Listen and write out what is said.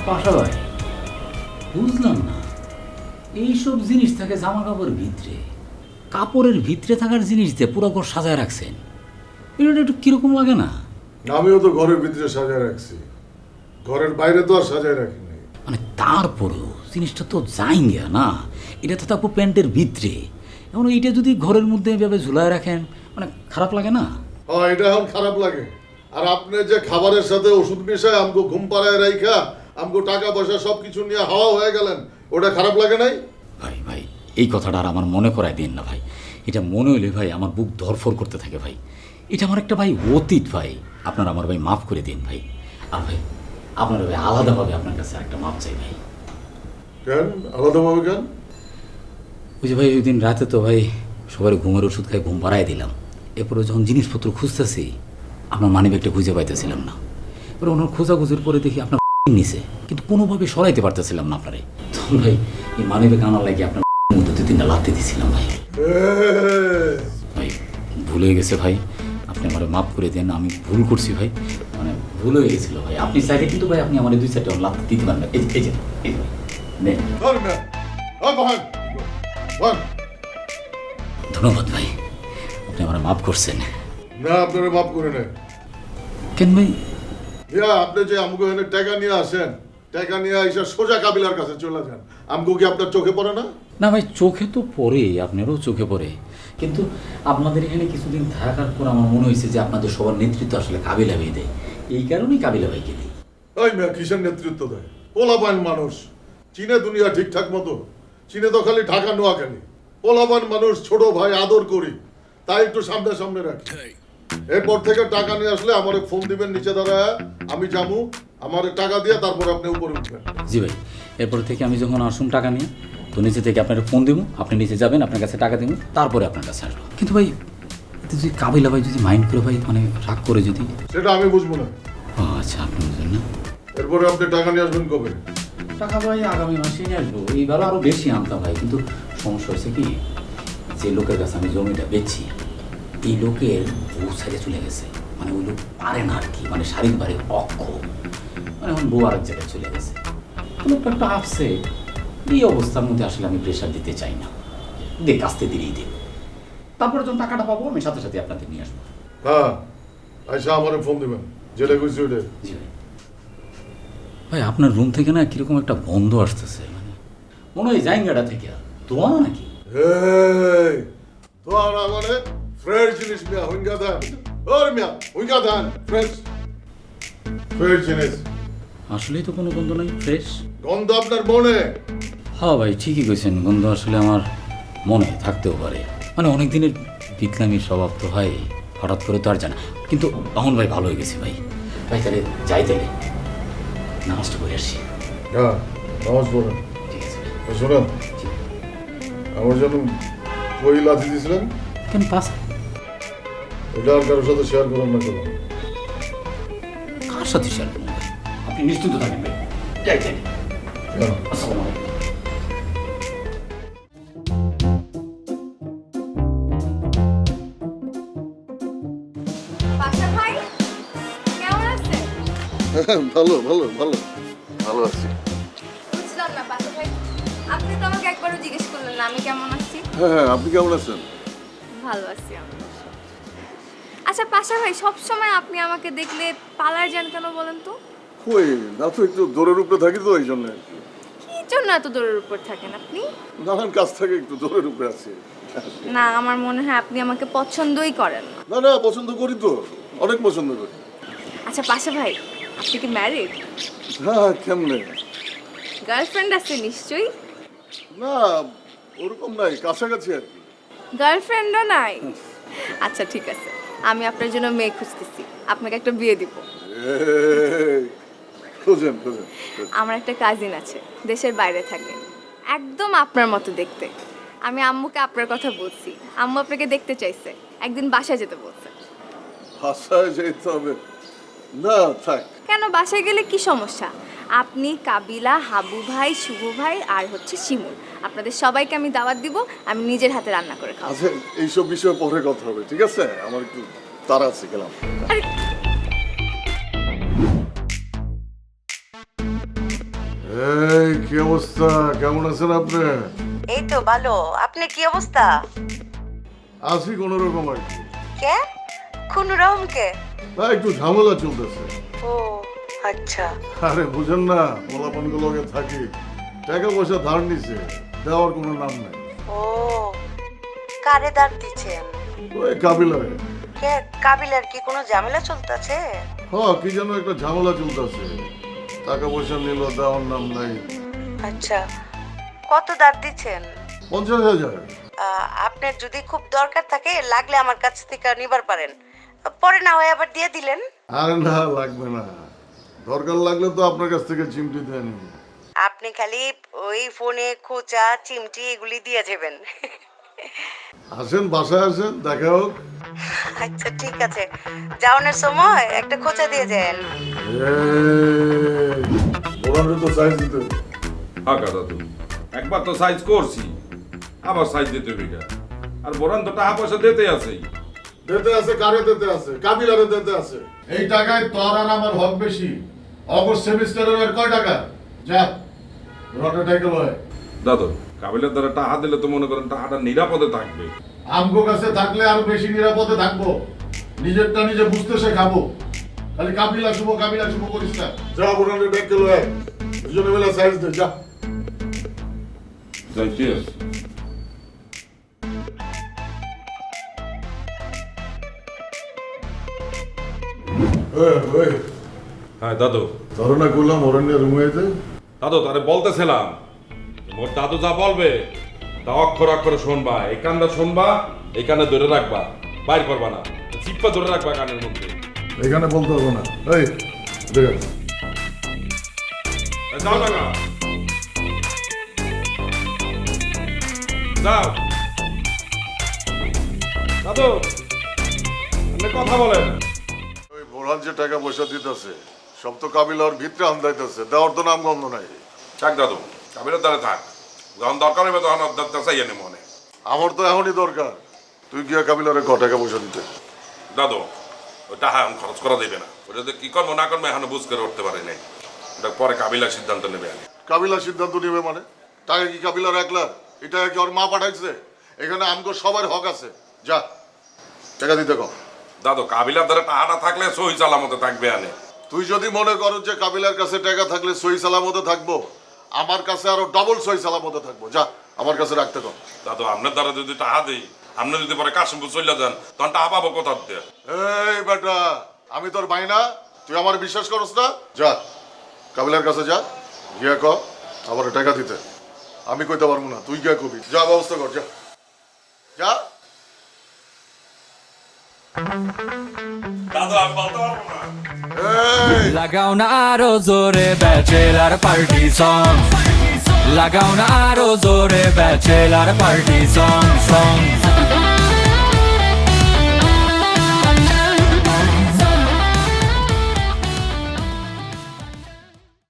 পাশা ভাই, বুঝলাম না, এইসব জিনিস থাকে জামা কাপড়ের ভিতরে, কাপড়ের ভিতরে থাকার জিনিস দিয়ে পুরো ঘর সাজায় রাখছেন, এটা একটু কিরকম লাগে না? আমিও তো ঘরের ভিতরে সাজায় রাখছি, ঘরের বাইরে তো আর সাজায় রাখিনি। মানে তারপরেও জিনিসটা তো যাইঙ্গা না, এটা তো তারপর প্যান্টের ভিতরে, এমন এইটা যদি ঘরের মধ্যে এভাবে ঝুলায় রাখেন, মানে খারাপ লাগে না? হ্যাঁ, এটা এখন খারাপ লাগে। আর আপনি যে খাবারের সাথে ওষুধ মিশায় আমগো ঘুম পাড়ায় রাইখা আমগো টাকা পয়সা সবকিছু নিয়ে হাওয়া হয়ে গেলেন, ওটা খারাপ লাগে নাই? ভাই ভাই, এই কথাটা আর আমার মনে করায় দিন না ভাই, এটা মনে হইলে ভাই আমার বুক ধরফর করতে থাকে ভাই, এটা আমার একটা ভাই অতীত ভাই, আপনার আমার ভাই মাফ করে দিন ভাই। আর ভাই আপনার ভাই আলাদাভাবে আপনার কাছে একটা মাপ চাই ভাই। কেন আলাদাভাবে কেন? ওই যে ভাই ওই দিন রাতে তো ভাই সবার ঘুমের ওষুধ খাই ঘুম পাড়াই দিলাম, এরপরে যখন জিনিসপত্র খুঁজতেছি আপনার মানিব্যাগটা খুঁজে পাইতেছিলাম না, এবার ওনার খোঁজাখুঁজির পরে দেখি আপনার নিচে, কিন্তু কোনোভাবে সরাইতে পারতেছিলাম না আপনারে, তখন ভাই এই মানিব্যাগ আনার লাগে আপনার মধ্যে 2-3টা লাথি দিয়েছিলাম ভাই। ভাই ভুল হয়ে গেছে ভাই, আপনি আমার মাফ করে দেন, আমি ভুল করছি ভাই, মানে ভুল হয়ে গেছিল ভাই, আপনি চাইলে কিন্তু ভাই আপনি আমার 2-4টা লাথি দিতে পারবেন, এই যে নেন। ধন্যবাদ ভাই, আপনি আমার মাফ করছেন। না, আপনারা মাফ করে নেন। কেন ভাই? আপনি যে আমগো এনে টাকা নিয়ে আসেন, টাকা নিয়ে এসে সোজা কাবিলার কাছে চলে যান, আমগো কি আপনার চোখে পড়ে না? না ভাই, চোখে তো পড়ে, আপনারও চোখে পড়ে, কিন্তু আপনাদের এখানে কিছুদিন থাকার পর আমার মনে হয়েছে যে আপনাদের সবার নেতৃত্ব আসলে কাবিলা ভাই দেয়, এই কারণেই কাবিলা ভাইকে দিই। ওই মেয়া কিসের নেতৃত্ব দেয়? পোলাপান মানুষ, চীনে দুনিয়া ঠিকঠাক মতো, চীনে তো খালি ঢাকা নোয়াখালী। পোলাপান মানুষ, ছোট ভাই আদর করি, তাই একটু সামনে সামনে রাখি। এরপর থেকে টাকা নিয়ে আসলে আমারে ফোন দিবেন নিচে দাঁড়ায়, আমি যাবো, আমারে টাকা দিয়ে তারপর আপনি উপরে উঠবেন। জি ভাই, এরপর থেকে আমি যখন আসুন টাকা নিয়ে, তো নিচে থেকে আপনার ফোন দিব, আপনি নিচে যাবেন, আপনার কাছে টাকা দিব, তারপরে আপনার কাছে আসবো। কিন্তু ভাই এতে যদি কাবিলা ভাই যদি মাইন্ড করে ভাই, মানে রাগ করে যদি, সেটা আমি বুঝবো না। ও আচ্ছা, আপনি বুঝলেন না। এরপরে আপনি টাকা নিয়ে আসবেন কবে? টাকা ভাই আগামী মাসে নিয়ে আসবো, এইবার আরও বেশি আনতাম ভাই, কিন্তু সমস্যা হয়েছে কি, যে লোকের কাছে আমি জমিটা বেচছি, এই লোকের বউ ছেড়ে চলে গেছে, মানে ওই লোক পারে না আর কি, মানে শারীরিকভাবে অক্ষম, মানে এখন বউ আরেক জায়গায় চলে গেছে, লোকটা একটা আসছে, এই অবস্থার মধ্যে আসলে আমি প্রেশার দিতে চাই না, দেখ আসতে দিলেই দেব, তারপরে যখন টাকাটা পাবো আমি সাথে সাথে আপনাদের নিয়ে আসবো। হ্যাঁ, আচ্ছা আমারে ফোন দিবেন, যেটা কইছি ওটা। জি ভাই। ভাই আপনার রুম থেকে না কিরকম একটা গন্ধ আসতেছে, মানে মনে হয় জায়গাটা থেকে তোমার নাকি? এই তোমার মানে ফ্রেশ জিনিস মিয়া হুইঙ্গা দেন, ওর মিয়া হুইঙ্গা দেন, ফ্রেশ ফ্রেশ জিনিস। আসলেই তো কোনো গন্ধ নাই, ফ্রেশ গন্ধ আপনার মনে? হ্যাঁ ভাই ঠিকই কইছেন, গন্ধ আসলে আমার মনে থাকতেও পারে, মানে অনেক দিনের বিতলামির স্বভাব তো হয়, হঠাৎ করে তো আর জানা, কিন্তু তখন ভাই ভালো হয়ে গেছে ভাই। ভাই তাহলে যাই, তাহলে নামাজটা করে আসছি। হ্যাঁ, নামাজ পড়েন। ঠিক আছে ভাই। শোনেন, আমার জন্য কই লাথি দিয়েছিলেন, কেন পাস এটা আর কারোর সাথে শেয়ার করেন না কেন? কার সাথে শেয়ার করুন ভাই, আপনি নিশ্চিন্ত থাকেন ভাই, যাই যাই। কেন? আসসালামু আলাইকুম। পাশা ভাই কেমন আছেন? ভালো ভালো ভালো ভালো আছি। বুঝলাম না পাশা ভাই, আপনি তো আমাকে একবারও জিজ্ঞেস করলেন না আমি কেমন আছি। হ্যাঁ হ্যাঁ, আপনি কেমন আছেন? ভালো আছি আমি। আচ্ছা পাশা ভাই, সব সময় আপনি আমাকে দেখলে পালায় যান কেন বলেন তো? কই না তো, একটু দৌড়ের উপরে থাকি তো এই জন্য। কি জন্য এত দূরের উপর থাকেন আপনি? নানান কাছ থেকে একটু দৌড়ের উপরে আছি। না, আমার মনে হয় আপনি আমাকে পছন্দই করেন না। না না, পছন্দ করি তো, অনেক পছন্দ করি। আচ্ছা পাশা ভাই, আপনি কি ম্যারিড? হ্যাঁ, কেমনে? গার্লফ্রেন্ড আছে নিশ্চয়ই? না, ওরকম নাই, কাছাকাছি আর কি। গার্লফ্রেন্ডও নাই? আচ্ছা ঠিক আছে, আমি আপনার জন্য মেয়ে খুঁজতেছি, আপনাকে একটা বিয়ে দিব। এই, খোঁজেন খোঁজেন। আমার একটা কাজিন আছে, দেশের বাইরে থাকে, একদম আপনার মতো দেখতে। আমি আম্মুকে আপনার কথা বলছি, আম্মু আপনাকে দেখতে চাইছে, একদিন বাসায় যেতে বলছে। বাসায় যেতে হবে না, থাক। কেন, বাসায় গেলে কি সমস্যা? আপনি, কাবিলা, হাবু ভাই, শুভ ভাই আর হচ্ছে শিমুল, আপনাদের সবাইকে আমি দাওয়াত দিব, আমি নিজের হাতে রান্না করে খাবো। আচ্ছা, এইসব বিষয়ে পরে কথা হবে, ঠিক আছে? আমার একটু তাড়া আছে, গেলাম। আরে কি অবস্থা, কেমন আছেন আপনি? এই তো ভালো। আপনার কি অবস্থা? আছি কোন রকম আর কি। কে? কোন রকম কে? না একটু ঝামেলা চলতেছে। ও আচ্ছা। আরে বুঝেন না, পোলাপান গুলোকে থাকি, টাকা পয়সা ধার নিছে, দেওয়ার কোনো নাম নাই। ও কারে দাঁড় দিচ্ছেন? ওই কাবিলারে। কে? কাবিলার কি কোনো ঝামেলা চলতেছে? কি যেন একটা ঝামেলা চলতেছে, টাকা পয়সা নিল, দেওয়ার নাম নাই। আচ্ছা, কত দাঁড় দিচ্ছেন? 50,000। আপনার যদি খুব দরকার থাকে লাগলে আমার কাছ থেকে নিবার পারেন, পরে না হয় আবার দিয়ে দিলেন। আরে না, লাগবে না, দরকার লাগলে তো আপনার কাছ থেকে চিমটি দিয়ে নিব। আপনি খালি ওই ফোনে খোঁচা চিমটি এগুলি দিয়ে যাবেন। আসেন, বাসায় আসেন, দেখা হোক। আচ্ছা ঠিক আছে, যাওয়ানোর সময় একটা খোঁচা দিয়ে যান। ওরারে তো সাইজ দিতে হবে। আঁকা দাদু একবার তো সাইজ করছি, আবার সাইজ দিতে হবে এটা। আর বোরান তো টাকা পয়সা দিতে আছেই। দিতে আছে, কারে দিতে আছে? কাবিলারে দিতে আছে। এই টাকায় তোর আর আমার হক বেশি। অগস্ট সেমিস্টারের আর কয় টাকা? যা রটা টাকা লয়। দাদু কাবিলের দ্বারা টাকা দিলে তো মনে করেন টাকাটা নিরাপদে থাকবে। আমগো কাছে থাকলে আরো বেশি নিরাপদে থাকবো। নিজেরটা নিজে বুঝতে শেখাবো। খালি কাবিলা শুভ করিস না। যা বোরানে টাকা লয়, দুজনে মিলে সাইজ দে, যা। যাইতে আছে। হ্যাঁ দাদু, ধারণা করলাম অরণ্যের রুমেতে। দাদু তারে বলতেছিলাম মোর দাদু যা বলবে তা অক্ষর অক্ষরে শুনবা, এই কানটা শুনবা, এই কানে ধরে রাখবা, বাইর করবা না, চিপ্পা ধরে রাখবা কানের মধ্যে। এখানে বলতে হবে না। এই দেখ, যাও টাকা যাও। দাদু আপনি কথা বলেন। ওই বোরান যে টাকা পয়সা দিতেছে সব তো কাবিলার ভিতরে আন্দাইতেছে, দেওয়ার তো নাম গন্ধ নাই। থাক দাদু, কাবিলের দ্বারা থাক, যখন দরকার হবে তখন চাইয়ে নে মনে। আমার তো এখনই দরকার। তুই গিয়া কাবিলারে টাকা পয়সা দিতে। দাদু ওই টাকা এখন খরচ করা দেবে না, ওটা যে কি করবো না করবো এখনো বুঝ করে উঠতে পারি নাই, ওটা পরে কাবিলার সিদ্ধান্ত নেবে। কাবিলার সিদ্ধান্ত নিবে মানে? টাকা কি কাবিলার একলা? এটা কি ওর মা পাঠাইছে? এখানে আমগো সবার হক আছে। যা টাকা দিতে কম। দাদু কাবিলার দ্বারা টাকাটা থাকলে সহি চালামতে থাকবে আনে। তুই যদি মনে করো যে কাবিলার কাছে টাকা থাকলে সহি সালামতে থাকবো, আমার কাছে আরো ডবল সহি সালামতে থাকবো। যা আমার কাছে রাখতে কম। দাদু আপনার দ্বারা যদি টাকা দিই, আপনি যদি পরে কাশিমপুর চলে যান তখন টাকা পাবো কোথা দিয়ে? এই বেটা, আমি তোর ভাই না? তুই আমার বিশ্বাস করস না? যা কাবিলার কাছে যা, গিয়া ক আবার টাকা দিতে। আমি কইতে পারবো না, তুই গিয়া কবি। যা ব্যবস্থা কর, যা যা। দাদু আমি বলতে পারবো না। এই লাগাও না আরো জোরে ব্যাচেলার পার্টি সং, লাগাও না আরো জোরে ব্যাচেলার পার্টি সং।